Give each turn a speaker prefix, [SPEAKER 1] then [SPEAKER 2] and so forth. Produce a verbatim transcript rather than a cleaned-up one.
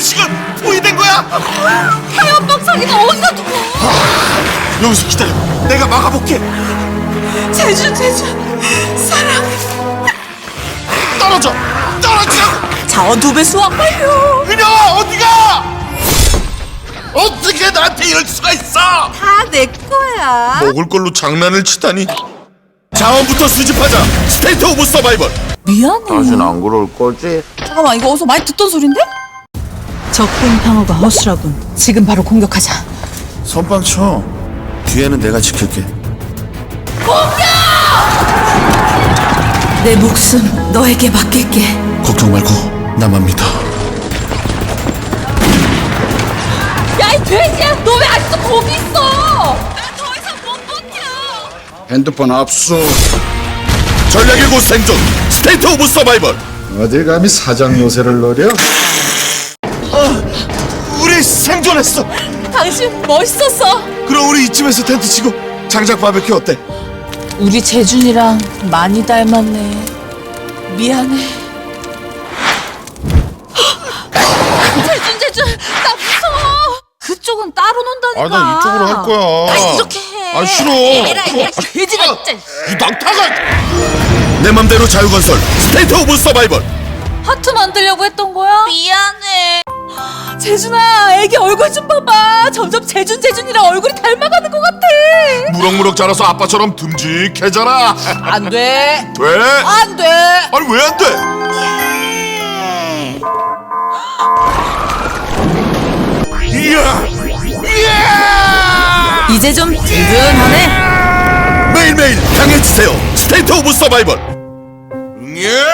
[SPEAKER 1] 식은 포위된 거야.
[SPEAKER 2] 타협방 사기가 어디다 두고.
[SPEAKER 1] 여기서 기다려. 내가 막아볼게.
[SPEAKER 2] 제주 제주 사랑.
[SPEAKER 1] 떨어져. 떨어지라고.
[SPEAKER 2] 자원 두 배 수확 완료.
[SPEAKER 1] 은영아 어디가? 어떻게 나한테 이럴 수가 있어?
[SPEAKER 2] 다 내 거야.
[SPEAKER 1] 먹을 걸로 장난을 치다니. 자원부터 수집하자. 스테이트 오브 서바이벌.
[SPEAKER 2] 미안해.
[SPEAKER 1] 다신 안 그럴 거지?
[SPEAKER 2] 잠깐만, 이거 어디서 많이 듣던 소린데? 적군 방어가 허술하군. 지금 바로 공격하자.
[SPEAKER 1] 선빵 쳐. 뒤에는 내가 지킬게.
[SPEAKER 2] 내 목숨 너에게 맡길게.
[SPEAKER 1] 걱정 말고 나만 믿어.
[SPEAKER 2] 야, 이 돼지야, 너 왜 아직도 거기 있어? 나 더 이상 못 버텨.
[SPEAKER 3] 핸드폰 압수.
[SPEAKER 1] 전략의 곳 생존. 스테이트 오브 서바이벌.
[SPEAKER 3] 어딜 감히 사장 요새를 노려?
[SPEAKER 1] 우리 생존했어.
[SPEAKER 2] 당신 멋있었어.
[SPEAKER 1] 그럼 우리 이쯤에서 텐트 치고 장작 바베큐 어때?
[SPEAKER 2] 우리 재준이랑 많이 닮았네. 미안해. 재준 재준, 나 무서워. 그쪽은 따로 논다니까.
[SPEAKER 1] 아, 나 이쪽으로 할 거야.
[SPEAKER 2] 나 이렇게 해.
[SPEAKER 1] 아, 싫어.
[SPEAKER 2] 에라, 에라, 돼지가 진짜.
[SPEAKER 1] 이 낙타가. 내 맘대로 자유건설. 스테이트 오브 서바이벌.
[SPEAKER 2] 하트 만들려고 했던 거야? 미안해. 재준아, 애기 얼굴 좀 봐봐. 점점 재준 재준이랑 얼굴이 닮아가는 것 같아.
[SPEAKER 1] 무럭무럭 자라서 아빠처럼 듬직해져라.
[SPEAKER 2] 안 돼.
[SPEAKER 1] 돼?
[SPEAKER 2] 안 돼.
[SPEAKER 1] 아니 왜 안 돼? 이야! 이야!
[SPEAKER 2] 이제 좀 든든하네.
[SPEAKER 1] 매일매일 강해지세요. 스테이트 오브 서바이벌. 예!